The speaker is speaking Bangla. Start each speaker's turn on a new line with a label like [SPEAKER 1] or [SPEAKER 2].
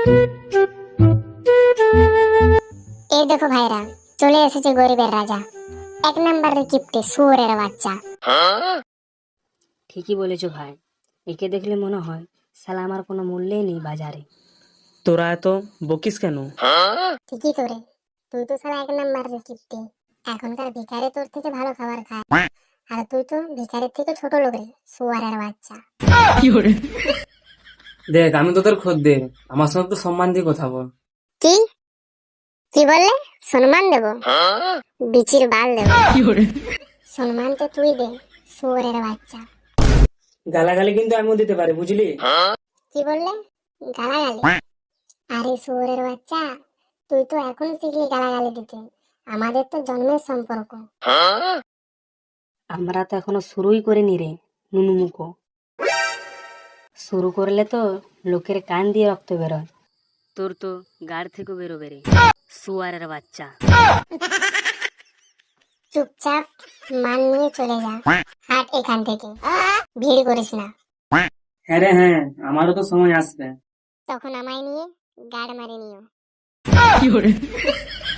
[SPEAKER 1] এই দেখো ভাইরা, চলে এসেছে গরিবের রাজা, এক নাম্বারের কিপ্টে শুয়োরের বাচ্চা।
[SPEAKER 2] ঠিকই বলেছো ভাই, একে দেখলে মনে হয় শালা আমার কোনো মূল্যই নেই বাজারে।
[SPEAKER 3] তোরা এত বকিস কেন?
[SPEAKER 1] ঠিকই তো রে, তুই তো সারা এক নাম্বারের কিপ্টে। এখনকার ভিখারি তোর থেকে ভালো খাবার খায়, আর তুই তো ভিখারির থেকে ছোট লোক রে, শুয়ারের বাচ্চা।
[SPEAKER 3] দেখ, আমি তোদের খদ্দের, আমার সঙ্গে তো সম্মান দিয়ে কথা বল।
[SPEAKER 1] কি কি বললে? সম্মান দেব? বিচির বাল দেব? সম্মান তো তুই দে, শুয়োরের বাচ্চা।
[SPEAKER 3] গালাগালি কিন্তু আমিও দিতে পারি, বুঝলি?
[SPEAKER 1] কি বললে? গালাগালি? আরে শুয়োরের বাচ্চা, তুই তো এখন শিখলি গালাগালি দিতে, আমাদের তো জন্মের সম্পর্ক।
[SPEAKER 2] আমরা তো এখনো শুরুই করিনি রে নুনুমুখো। শুরু করলে তো লোকের কান দিয়ে রক্ত বেরোয়, তোর তো গাড় থেকে বেরোবে রে শুয়ারের বাচ্চা।
[SPEAKER 1] চুপচাপ মান নিয়ে চলে যা, হাট এখান থেকে, ভিড় করিস না।
[SPEAKER 3] হ্যাঁ রে হ্যাঁ, আমারও তো সময় আসবে।
[SPEAKER 1] তখন আমায় নিয়ে গাড় মারি নিও।